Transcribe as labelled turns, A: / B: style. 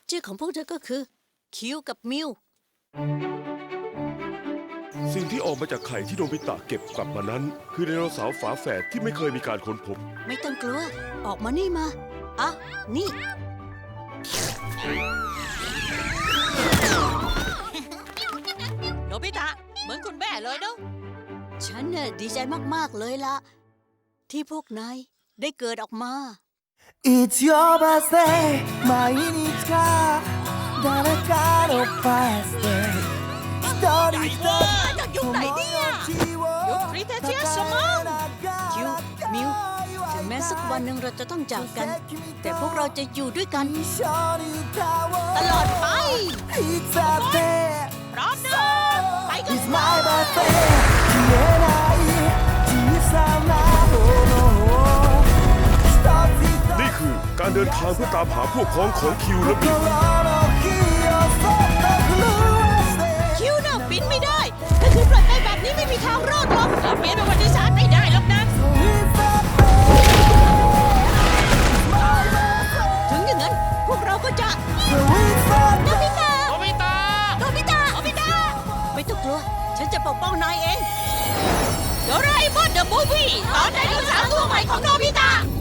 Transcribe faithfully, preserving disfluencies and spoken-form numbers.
A: ชื่อของพวกเธอก็คือคิวกับมิว
B: สิ่งที่ออกมาจากไข่ที่โนบิตะเก็บกลับมานั้น คือไดโนเสาร์ฝาแฝดที่ไม่เคยมีการค้นพบ
A: ไม่ต้องกลัว ออกมานี่มาอ่ะนี่
C: โนบิตะเหมือนคุณแม่เลยเนาะ
A: ฉันน่ะดีใจมาก ๆ เลยละที่พวกนายได้เกิดออกมา
D: It's your birthday 毎日が誰かの birthday 一人一人
C: อยู่ไหนเนี่ย อยู่คริเทเชียสมั้ง
A: คิว มิว ถึงแม้สักวันหนึ่งเราจะต้องจากกัน แต่พวกเราจะอยู่ด้วยกัน ตลอดไป
D: いつだって
C: พร้อมนะไปกัน
D: It's my birthday 消えない小さなものを一つ一つ
B: นี่คือการเดินทางเพื่อตามหาพวกพ้องของคิวและมิว
D: 心の火をそっと震わして
C: คิวน่ะบินไม่ได้ถ้าคือปล่อยไปแบบนี้ไม่มีทางรอดหรอกเราเปลี่ยนประวัติศาสตร์ไม่ได้หรอกนะ ถึงอย่างนั้น พวกเราก็จะโนบิตะโนบิตะโนบิตะโนบิตะ
A: ไม่ต้องกลัว ฉันจะปกป้องนายเอง
C: โดราเอมอนเดอะมูฟวี่ตอนไดโนเสาร์ตัวใหม่ของโนบิตะ